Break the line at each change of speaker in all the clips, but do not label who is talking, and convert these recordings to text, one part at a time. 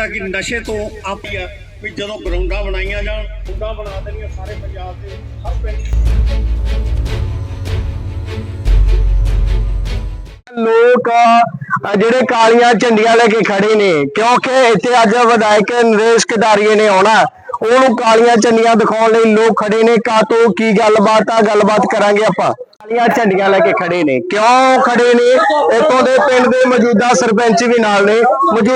ਜਿਹੜਾ ਕਿ ਨਸ਼ੇ ਤੋਂ ਆਪੀ ਆ ਵੀ ਜਦੋਂ ਗਰਾਊਂਡਾਂ ਬਣਾਈਆਂ ਜਾਣ, ਗਰਾਊਂਡਾਂ ਬਣਾ ਦੇਣੀਆਂ ਸਾਰੇ ਪੰਜਾਬ ਦੇ ਹਰ ਪਿੰਡ।
ਲੋਕ ਜਿਹੜੇ ਕਾਲੀਆਂ ਝੰਡੀਆਂ ਲੈ ਕੇ ਖੜੇ ਨੇ, ਕਿਉਂਕਿ ਇੱਥੇ ਅੱਜ ਵਿਧਾਇਕ ਨਰੇਸ਼ ਕਟਾਰੀਆ ਨੇ ਆਉਣਾ, ਉਹਨੂੰ ਕਾਲੀਆਂ ਝੰਡੀਆਂ ਦਿਖਾਉਣ ਲਈ ਲੋਕ ਖੜੇ ਨੇ। ਕਾਤੋਂ ਕੀ ਗੱਲਬਾਤ ਆ, ਗੱਲਬਾਤ ਕਰਾਂਗੇ ਆਪਾਂ। ਕਾਲੀਆਂ ਝੰਡੀਆਂ ਲੈ ਕੇ ਖੜੇ ਨੇ, ਕਿਉਂ ਖੜੇ ਨੇ? ਇੱਥੋਂ ਦੇ ਪਿੰਡ ਦੇ ਮੌਜੂਦਾ ਸਰਪੰਚ ਵੀ ਨਾਲ ਨੇ।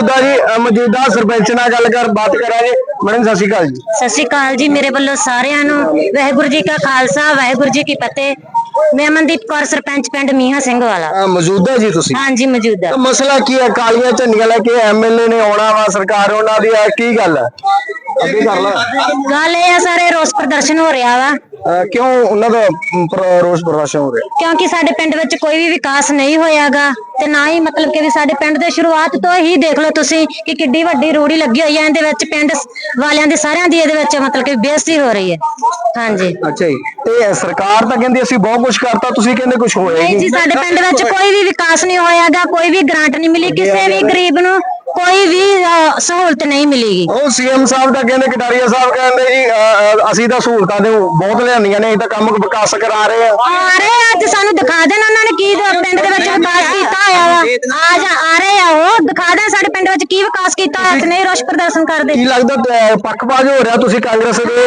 ਮੌਜੂਦਾ ਸਰਪੰਚ ਨਾਲ ਬਾਤ ਕਰਾਂਗੇ। ਮੈਡਮ ਸਤਿ ਸ਼੍ਰੀ ਅਕਾਲ ਜੀ।
ਸਤਿ ਸ਼੍ਰੀ ਅਕਾਲ ਜੀ। ਮੇਰੇ ਵੱਲੋਂ ਸਾਰਿਆਂ ਨੂੰ ਵਾਹਿਗੁਰੂ ਜੀ ਕਾ ਖਾਲਸਾ, ਵਾਹਿਗੁਰੂ ਜੀ ਕੀ ਫਤਿਹ। मैं अमनदीप कौर सरपंच पिंड मीहा सिंह वाला।
मौजूदा जी तुसी? हाँ
जी मौजूदा।
तो मसला की है? कालियां झंडियां लेके एमएलए ने आना वा, सरकार उन्हां दी की गल है? अगे कर ला।
गल ये है सारे रोस प्रदर्शन हो रहा वा।
क्यों उन्हां दा रोस प्रदर्शन हो रहा?
क्योंकि साडे पिंड विच कोई भी विकास नहीं होयागा ते ना ही मतलब कि साडे पिंड दे शुरुआत तो ही देख लो तुसी कि किड्डी वड्डी रूड़ी लगी होई है। इहदे विच पिंड वालियां दी सारियां दी इहदे विच मतलब कि बेइज्जती हो रही है। हाँ जी।
अच्छा जी। ते सरकार तां कहंदी असीं बहुत कुछ करता, तुसीं कहंदे कुछ होया
नहीं जी। साडे पिंड विच कोई भी विकास नहीं होयागा, कोई भी ग्रांट नहीं मिली, किसी भी गरीब नूं कोई भी सहूलत नहीं मिलेगी।
ਉਹ ਸੀਐਮ ਸਾਹਿਬ ਤਾਂ ਕਹਿੰਦੇ, ਕਟਾਰੀਆ ਸਾਹਿਬ ਕਹਿੰਦੇ ਜੀ ਅਸੀਂ ਤਾਂ ਸਹੂਲਤਾਂ ਦੇ ਬਹੁਤ ਲਿਆਂਦੀਆਂ ਨੇ, ਅਸੀਂ ਤਾਂ ਕੰਮ ਵਿਕਾਸ ਕਰਾ ਰਹੇ ਆ।
ਅੱਜ ਸਾਨੂੰ ਦਿਖਾ ਦੇਣ ਉਹਨਾਂ ਨੇ ਕੀ ਪਿੰਡ ਦੇ ਵਿੱਚ ਵਿਕਾਸ ਕੀਤਾ ਹੋਇਆ ਵਾ। ਆ ਰਹੇ ਆ ਉਹ ਦਿਖਾ ਦੇਣ ਸਾਡੇ ਪਿੰਡ ਵਿੱਚ ਕੀ ਵਿਕਾਸ ਕੀਤਾ ਹੋਇਆ ਤੇ ਨਹੀਂ ਰੋਸ ਪ੍ਰਦਰਸ਼ਨ ਕਰਦੇ।
ਕੀ ਲੱਗਦਾ ਪੱਖਪਾਤ ਹੋ ਰਿਹਾ? ਤੁਸੀਂ ਕਾਂਗਰਸ ਦੇ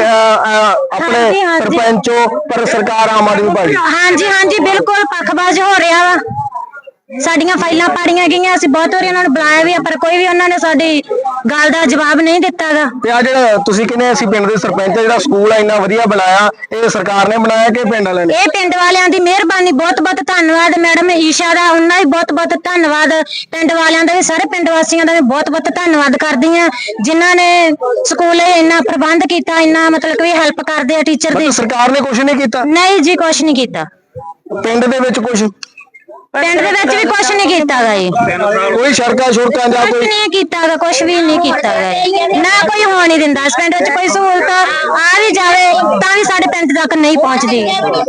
ਆਪਣੇ ਸਰਪੰਚੋ, ਪਰ ਸਰਕਾਰ ਆਮ ਆਦਮੀ ਪਾਰਟੀ।
ਹਾਂਜੀ ਹਾਂਜੀ ਬਿਲਕੁਲ ਪੱਖਪਾਤ ਹੋ ਰਿਹਾ ਵਾ। ਸਾਡੀਆਂ ਫਾਈਲਾਂ ਪਾੜੀਆਂ ਗਈਆਂ, ਅਸੀਂ ਬਹੁਤ ਵਾਰੀ ਉਹਨਾਂ ਨੂੰ ਬੁਲਾਇਆ ਵੀ, ਪਰ ਕੋਈ ਵੀ ਉਹਨਾਂ ਨੇ ਸਾਡੀ ਗੱਲ ਦਾ ਜਵਾਬ ਨਹੀਂ ਦਿੱਤਾਗਾ।
ਤੇ ਆ ਜਿਹੜਾ ਤੁਸੀਂ ਕਹਿੰਦੇ ਅਸੀਂ ਪਿੰਡ ਦੇ ਸਰਪੰਚ, ਜਿਹੜਾ ਸਕੂਲ ਆ ਇੰਨਾ ਵਧੀਆ ਬਣਾਇਆ, ਇਹ ਸਰਕਾਰ ਨੇ ਬਣਾਇਆ ਕਿ ਪਿੰਡ ਵਾਲਿਆਂ ਨੇ?
ਇਹ ਪਿੰਡ ਵਾਲਿਆਂ ਦੀ ਮਿਹਰਬਾਨੀ। ਬਹੁਤ ਬਹੁਤ ਧੰਨਵਾਦ ਮੈਡਮ ਈਸ਼ਾ ਦਾ, ਉਹਨਾਂ ਵੀ ਬਹੁਤ ਬਹੁਤ ਧੰਨਵਾਦ। ਪਿੰਡ ਵਾਲਿਆਂ ਦਾ ਵੀ, ਸਾਰੇ ਪਿੰਡ ਵਾਸੀਆਂ ਦਾ ਵੀ ਬਹੁਤ ਬਹੁਤ ਧੰਨਵਾਦ ਕਰਦੀ ਆ, ਜਿਨ੍ਹਾਂ ਨੇ ਸਕੂਲੇ ਇੰਨਾ ਪ੍ਰਬੰਧ ਕੀਤਾ, ਇੰਨਾ ਮਤਲਬ ਕਿ ਹੈਲਪ ਕਰਦੇ ਆ ਟੀਚਰ ਦੀ।
ਸਰਕਾਰ ਨੇ ਕੁਝ ਨਹੀਂ ਕੀਤਾ?
ਨਹੀਂ ਜੀ ਕੁਝ ਨਹੀਂ ਕੀਤਾ।
ਪਿੰਡ ਦੇ ਵਿੱਚ ਕੁਝ
ਪਿੰਡ ਦੇ ਵਿੱਚ ਵੀ ਕੁਝ ਨਹੀਂ ਕੀਤਾਗਾ ਜੀ।
ਕੋਈ ਸੜਕਾਂ ਛੁੜਕਾਂ ਜਾਂ ਕੋਈ
ਨਹੀਂ ਕੀਤਾਗਾ, ਕੁਝ ਵੀ ਨਹੀਂ ਕੀਤਾਗਾ। ਨਾ ਕੋਈ ਹੋਣ ਨਹੀਂ ਦਿੰਦਾ ਇਸ ਪਿੰਡ ਵਿੱਚ। ਕੋਈ ਸਹੂਲਤ ਆ ਵੀ ਜਾਵੇ ਤਾਂ ਵੀ ਸਾਡੇ ਪਿੰਡ ਤੱਕ ਨਹੀਂ ਪਹੁੰਚਦੀ।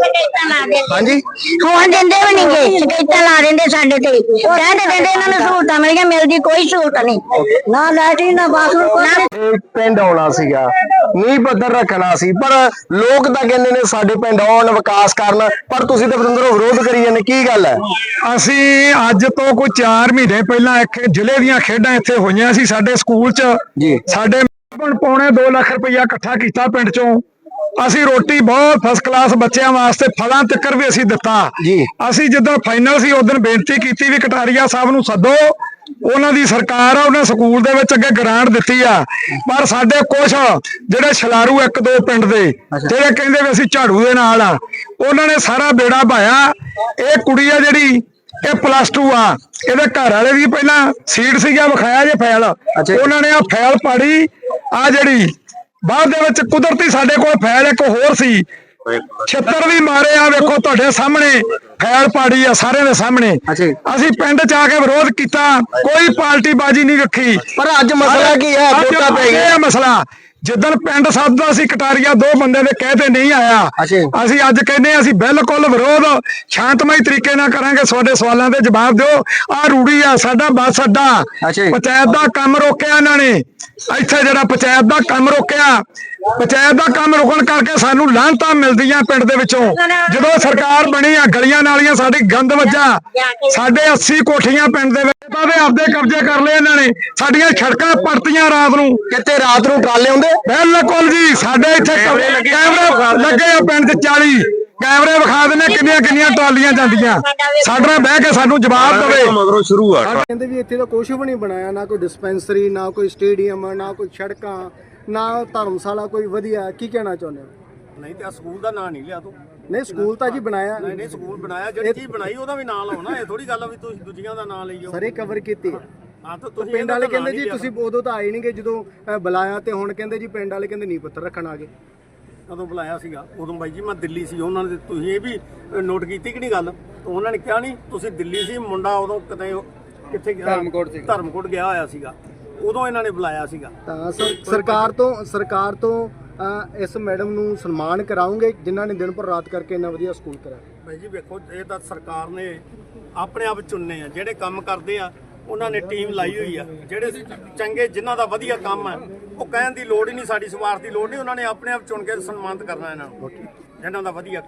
ਹਾਂਜੀ
ਹੋਣ ਦਿੰਦੇ ਵੀ ਨਹੀਂਗੇ, ਸ਼ਿਕਾਇਤਾਂ ਲਾ ਦਿੰਦੇ ਸਾਡੇ ਤੇ। ਕਹਿੰਦੇ ਇਹਨਾਂ ਨੂੰ ਸਹੂਲਤਾਂ ਮਿਲੀਆਂ, ਮਿਲਦੀ ਕੋਈ ਸਹੂਲਤ ਨਹੀਂ, ਨਾ ਲਾਈਟ ਨਾ ਬਾਥਰੂਮ।
ਪਿੰਡ ਆਉਣਾ ਸੀਗਾ, ਨੀਂਹ ਪੱਥਰ ਰੱਖਣਾ ਸੀ, ਪਰ ਲੋਕ ਤਾਂ ਕਹਿੰਦੇ ਨੇ ਸਾਡੇ ਪਿੰਡ ਆਉਣ, ਵਿਕਾਸ ਕਰਨ, ਪਰ ਤੁਸੀਂ ਤਾਂ ਅੰਦਰੋਂ ਵਿਰੋਧ ਕਰੀ ਜਾਂਦੇ। ਕੀ ਗੱਲ ਹੈ?
ਅਸੀਂ ਅੱਜ ਤੋਂ ਕੋਈ 4 ਮਹੀਨੇ ਪਹਿਲਾਂ ਇੱਕ ਜ਼ਿਲ੍ਹੇ ਦੀਆਂ ਖੇਡਾਂ ਇੱਥੇ ਹੋਈਆਂ ਸੀ ਸਾਡੇ ਸਕੂਲ 'ਚ
ਜੀ।
ਸਾਡੇ ਪੌਣੇ 2 ਲੱਖ ਰੁਪਇਆ ਇਕੱਠਾ ਕੀਤਾ ਪਿੰਡ 'ਚੋਂ। ਅਸੀਂ ਰੋਟੀ ਬਹੁਤ ਫਸਟ ਕਲਾਸ ਬੱਚਿਆਂ ਵਾਸਤੇ, ਫਲਾਂ ਤੱਕ ਵੀ ਅਸੀਂ ਦਿੱਤਾ
ਜੀ।
ਅਸੀਂ ਜਦੋਂ ਫਾਈਨਲ ਸੀ ਉਦੋਂ ਬੇਨਤੀ ਕੀਤੀ ਵੀ ਕਟਾਰੀਆ ਸਾਹਿਬ ਨੂੰ ਸੱਦੋ, ਉਹਨਾਂ ਦੀ ਸਰਕਾਰ ਆ, ਉਹਨਾਂ ਸਕੂਲ ਦੇ ਵਿੱਚ ਅੱਗੇ ਗ੍ਰਾਂਟ ਦਿੱਤੀ ਆ, ਪਰ ਸਾਡੇ ਕੁਛ ਜਿਹੜੇ ਛਲਾਰੂ 1-2 ਪਿੰਡ ਦੇ ਜਿਹੜੇ ਕਹਿੰਦੇ ਵੀ ਅਸੀਂ ਝਾੜੂ ਦੇ ਨਾਲ ਆ, ਉਹਨਾਂ ਨੇ ਸਾਰਾ ਬੇੜਾ ਪਾਇਆ। ਇਹ ਕੁੜੀ ਆ ਜਿਹੜੀ, ਇਹ +2 ਆ, ਇਹਦੇ ਘਰ ਵਾਲੇ ਦੀ ਪਹਿਲਾਂ ਸੀਟ ਸੀਗਾ, ਵਿਖਾਇਆ ਜੇ ਫੈਲ, ਉਹਨਾਂ ਨੇ ਆ ਫੈਲ ਪਾੜੀ। ਆ ਜਿਹੜੀ ਬਾਅਦ ਦੇ ਵਿੱਚ ਕੁਦਰਤੀ ਸਾਡੇ ਕੋਲ ਫੈਲ ਇੱਕ ਹੋਰ ਸੀ, ਛੱਤਰ ਵੀ ਮਾਰੇ ਆ, ਵੇਖੋ ਤੁਹਾਡੇ ਸਾਹਮਣੇ ਫੈਲ ਪਾੜੀ ਆ ਸਾਰਿਆਂ ਦੇ ਸਾਹਮਣੇ। ਅਸੀਂ ਪਿੰਡ ਚ ਆ ਕੇ ਵਿਰੋਧ ਕੀਤਾ, ਕੋਈ ਪਾਰਟੀ ਬਾਜੀ ਨਹੀਂ ਰੱਖੀ।
ਪਰ ਅੱਜ ਮਸਲਾ ਕੀ ਹੈ? ਵੋਟਾਂ ਪੈ ਗਈਆਂ।
ਇਹ ਮਸਲਾ ਜਿੱਦਣ ਪਿੰਡ ਸੱਦਦਾ ਸੀ ਕਟਾਰੀਆ 2 ਬੰਦੇ ਦੇ ਕਹਤੇ ਨਹੀਂ ਆਇਆ। ਅਸੀਂ ਅੱਜ ਕਹਿੰਦੇ ਅਸੀਂ ਬਿਲਕੁਲ ਵਿਰੋਧ ਸ਼ਾਂਤਮਈ ਤਰੀਕੇ ਨਾਲ ਕਰਾਂਗੇ। ਤੁਹਾਡੇ ਸਵਾਲਾਂ ਦੇ ਜਵਾਬ ਦਿਓ। ਆ ਰੂੜੀ ਆ ਸਾਡਾ ਬੱਸ ਅੱਡਾ, ਪੰਚਾਇਤ ਦਾ ਕੰਮ ਰੋਕਿਆ ਇਹਨਾਂ ਨੇ। ਇੱਥੇ ਜਿਹੜਾ ਪੰਚਾਇਤ ਦਾ ਕੰਮ ਰੋਕਿਆ, ਪੰਚਾਇਤ ਦਾ ਕੰਮ ਰੁਕਣ ਕਰਕੇ ਸਾਨੂੰ ਲਾਹਨਤਾਂ ਮਿਲਦੀਆਂ ਪਿੰਡ ਦੇ ਵਿੱਚੋਂ। ਜਦੋਂ ਸਰਕਾਰ ਬਣੀ ਆ, ਗਲੀਆਂ ਨਾਲੀਆਂ ਸਾਡੀ ਗੰਦ ਵੱਜਾ, ਸਾਡੇ 80 ਕੋਠੀਆਂ ਪਿੰਡ ਦੇ ਵਿੱਚ ਆਪਦੇ ਕਬਜ਼ੇ ਕਰ ਲਏ ਇਹਨਾਂ ਨੇ। ਸਾਡੀਆਂ ਸੜਕਾਂ ਪਰਤੀਆਂ ਰਾਤ ਨੂੰ।
ਕਿਤੇ ਰਾਤ ਨੂੰ ਟਰਾਲੇ ਆਉਂਦੇ?
ਬਿਲਕੁਲ ਜੀ। ਸਾਡੇ ਇੱਥੇ ਕੈਮਰੇ ਲੱਗੇ ਆ ਪਿੰਡ 'ਚ 40 ਕੈਮਰੇ ਵਿਖਾ ਦਿੰਦੇ ਕਿੰਨੀਆਂ ਟਰਾਲੀਆਂ ਜਾਂਦੀਆਂ। ਸਾਡਾ ਬਹਿ ਕੇ ਸਾਨੂੰ ਜਵਾਬ ਦੇਵੇ।
ਮਗਰੋਂ ਸ਼ੁਰੂ ਆ।
ਕਹਿੰਦੇ ਵੀ ਇੱਥੇ ਤਾਂ ਕੁਝ ਵੀ ਨਹੀਂ ਬਣਾਇਆ, ਨਾ ਕੋਈ ਡਿਸਪੈਂਸਰੀ, ਨਾ ਕੋਈ ਸਟੇਡੀਅਮ, ਨਾ ਕੋਈ ਸੜਕਾਂ, ਨਾ ਧਰਮਸ਼ਾਲਾ ਕੋਈ ਵਧੀਆ। ਕੀ ਕਹਿਣਾ ਚਾਹੁੰਦੇ ਹੋ?
ਨਹੀਂ ਤੇ ਸਕੂਲ ਦਾ ਨਾਂ ਨਹੀਂ ਲਿਆ ਤੂੰ।
ਨਹੀਂ ਸਕੂਲ ਤਾਂ ਜੀ ਬਣਾਇਆ।
ਨਹੀਂ ਸਕੂਲ ਬਣਾਇਆ, ਜਿਹੜੀ ਚੀਜ਼ ਬਣਾਈ ਉਹਦਾ ਵੀ ਨਾਂ ਲਾਉਣਾ। ਇਹ ਥੋੜੀ ਗੱਲ ਆ ਵੀ ਤੁਸੀਂ ਦੂਜੀਆਂ ਦਾ ਨਾਂ ਲਈ ਜਾਓ।
ਸਾਰੇ ਕਵਰ ਕੀਤੀ।
ਹਾਂ ਤਾਂ ਤੁਸੀਂ
ਪਿੰਡ ਵਾਲੇ ਕਹਿੰਦੇ ਜੀ ਤੁਸੀਂ ਉਦੋਂ ਤਾਂ ਆਏ ਨਹੀਂਗੇ ਜਦੋਂ ਬੁਲਾਇਆ, ਤੇ ਹੁਣ ਕਹਿੰਦੇ ਜੀ ਪਿੰਡ ਵਾਲੇ ਕਹਿੰਦੇ ਨੀਂਹ ਪੱਥਰ ਰੱਖਣ ਆ ਗਏ।
ਕਦੋਂ ਬੁਲਾਇਆ ਸੀਗਾ? ਉਦੋਂ ਬਾਈ ਜੀ ਮੈਂ ਦਿੱਲੀ ਸੀ। ਉਹਨਾਂ ਨੇ, ਤੁਸੀਂ ਇਹ ਵੀ ਨੋਟ ਕੀਤੀ ਕਿ ਨਹੀਂ ਗੱਲ? ਉਹਨਾਂ ਨੇ ਕਿਹਾ ਨਹੀਂ ਤੁਸੀਂ ਦਿੱਲੀ ਸੀ, ਮੁੰਡਾ ਉਦੋਂ ਕਿੱਥੇ ਗਿਆ? ਧਰਮਕੋਟ ਗਿਆ ਹੋਇਆ ਸੀਗਾ, ਉਦੋਂ ਇਹਨਾਂ ਨੇ ਬੁਲਾਇਆ ਸੀਗਾ।
ਤਾਂ ਸਰਕਾਰ ਤੋਂ ਇਸ ਮੈਡਮ ਨੂੰ ਸਨਮਾਨ ਕਰਾਉਂਗੇ ਜਿਨ੍ਹਾਂ ਨੇ ਦਿਨ ਪਰ ਰਾਤ ਕਰਕੇ ਇੰਨਾ ਵਧੀਆ ਸਕੂਲ ਕਰਾਇਆ।
ਭਾਈ ਜੀ ਵੇਖੋ, ਇਹ ਤਾਂ ਸਰਕਾਰ ਨੇ ਆਪਣੇ ਆਪ ਚੁਣਨੇ ਆ ਜਿਹੜੇ ਕੰਮ ਕਰਦੇ ਆ। ਉਹਨਾਂ ਨੇ ਟੀਮ ਲਾਈ ਹੋਈ ਆ। ਜਿਹੜੇ ਚੰਗੇ ਜਿਨ੍ਹਾਂ ਦਾ ਵਧੀਆ ਕੰਮ ਹੈ ਉਹ ਕਹਿਣ ਦੀ ਲੋੜ ਹੀ ਨਹੀਂ, ਸਾਡੀ ਸਿਫਾਰਿਸ਼ ਦੀ ਲੋੜ ਨਹੀਂ, ਉਹਨਾਂ ਨੇ ਆਪਣੇ ਆਪ ਚੁਣ ਕੇ ਸਨਮਾਨਿਤ ਕਰਨਾ ਇਹਨਾਂ ਨੂੰ ਜਿਨ੍ਹਾਂ ਦਾ ਵਧੀਆ